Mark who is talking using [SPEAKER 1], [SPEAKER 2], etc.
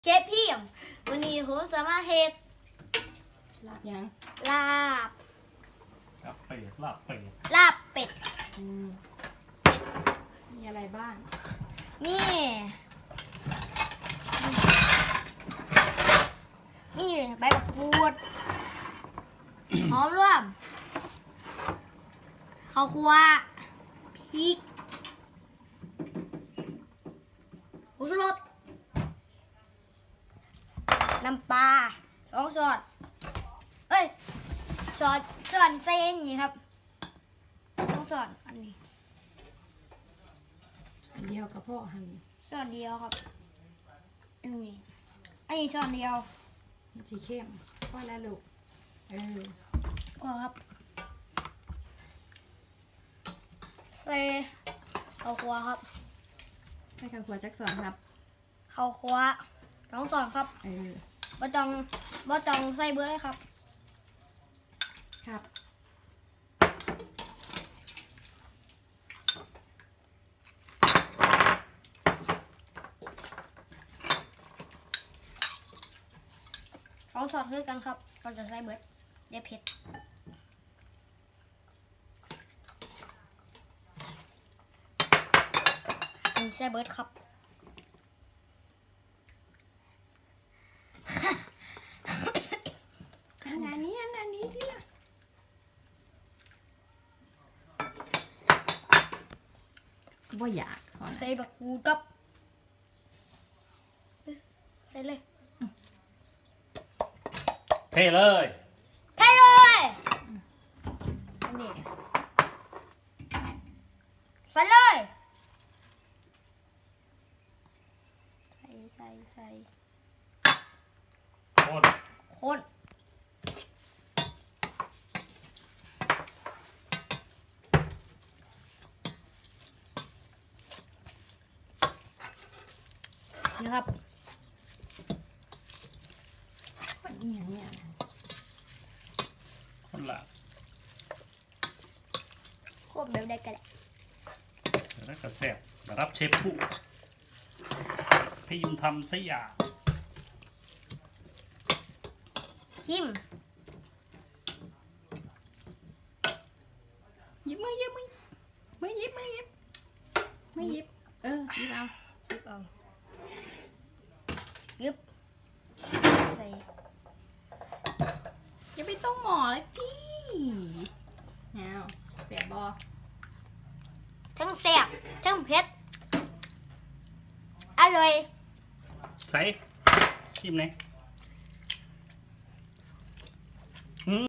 [SPEAKER 1] เชฟพี่วันนี้ผมสามารถเฮ็ด
[SPEAKER 2] ลาบยัง
[SPEAKER 1] ลาบ
[SPEAKER 3] ลาบเป็ดลาบเป็ด
[SPEAKER 1] ลาบเป็ด
[SPEAKER 2] มีอะไรบ้าง
[SPEAKER 1] นี่ใบมะกรูด หอมร่วมข้าวคั่วพริกผงชูรสน้ำปลา2 ช้อนเอ้ยช้อนเส้นนี่ครับ2 ช้อนอันนี้
[SPEAKER 2] อันเดียวกับพ่อหั่น
[SPEAKER 1] ช้อนเดียวครับอันนี้ช้อนเดียว
[SPEAKER 2] มันสีเข้มพ่อแล้วลูก
[SPEAKER 1] พอครับใส่ข้าวคั่วครับ
[SPEAKER 2] ให้ข้าวคั่วจักสอนครับ
[SPEAKER 1] ข้าวคั่ว2 ช้อนครับบ่ต้องใส่เบอร์เลยครับ
[SPEAKER 2] ครับ
[SPEAKER 1] 2 ช้อนคือกันครับก็จะใส่เบอร์เดี๋ยวเผ็ดใส่เบิร์ดครับ
[SPEAKER 2] อันนี้ที่ละบ่อยากขอนะ
[SPEAKER 1] ใส่บักกูดกับใส่เลย
[SPEAKER 3] เทเลย
[SPEAKER 1] ใส่เลยอันนี้ใส่เลยใส่
[SPEAKER 3] คน
[SPEAKER 1] คนนี่ครับ
[SPEAKER 2] มันอีหยังเนี่ย
[SPEAKER 3] คนละ
[SPEAKER 1] ควบแบบได้กันแหละ
[SPEAKER 3] แล้วก็แซ่บรับเชฟผู้ที่ยุงทำซะอย่าง
[SPEAKER 1] หิม
[SPEAKER 2] หยิบมือหยิบเอาหยิบเอา
[SPEAKER 1] ยึบใส่
[SPEAKER 2] อย่าไปต้องหมอเลยพี่เอาเสียบอ
[SPEAKER 1] ทั้งแซ่บทั้งเผ็ดอร่อย
[SPEAKER 3] ใส่ชิมเลย